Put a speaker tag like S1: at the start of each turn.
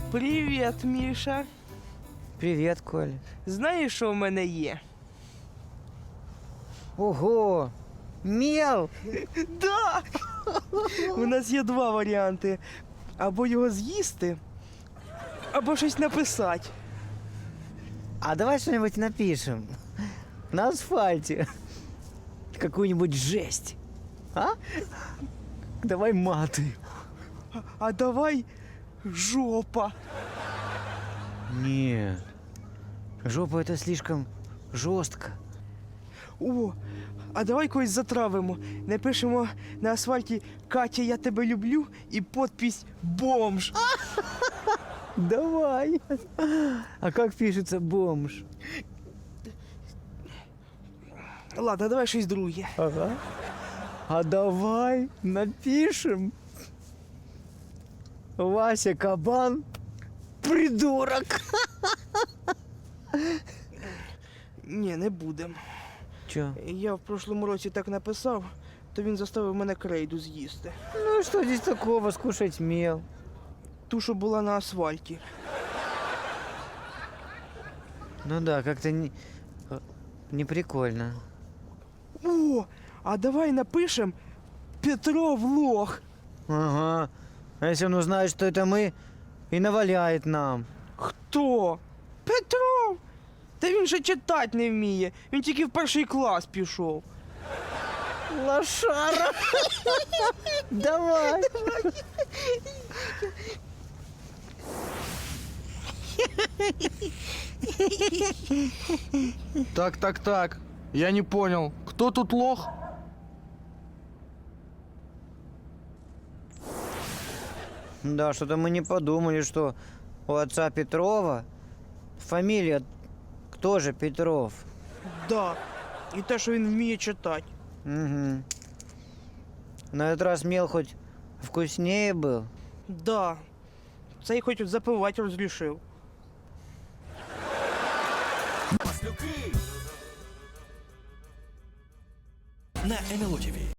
S1: Привіт, Міша.
S2: Привет, Коля.
S1: Знаєш, що в мене є?
S2: Ого! Мел!
S1: Да! У нас є два варіанти. Або його з'їсти, або щось написати.
S2: А давай что-нибудь напишем. На асфальте. Какую-нибудь жесть. А? Давай маты.
S1: А давай жопа.
S2: Не. Жопа это слишком жестко.
S1: О, а давай когось затравимо. Напишемо на асфальті «Катя, я тебе люблю» і подпись «Бомж».
S2: Давай. А как пишется бомж?
S1: Ладно, давай щось друге.
S2: Ага. А давай напишем. Вася Кабан придурок.
S1: Ні, не будем.
S2: Чё?
S1: Я в прошлому році так написав, то він заставив мене крейду з'їсти.
S2: Ну что здесь такого, скушать мел?
S1: Ту, що була на асфальті.
S2: Ну да, как-то не прикольно.
S1: О, а давай напишем «Петров лох».
S2: Ага. А если он узнает, что это мы, и наваляет нам.
S1: Хто? Петров? Та він же читати не вміє. Він тільки в перший клас пішов.
S2: Лошара! Давай!
S3: Так. Я не понял. Кто тут лох?
S2: Да, что-то мы не подумали, что у отца Петрова фамилия тоже Петров.
S1: Да. І те, що він вміє читати.
S2: Угу. На этот раз мел хоть вкуснее был.
S1: Да. Цей хоч запивати розрішив.
S4: На НЛО ТВ.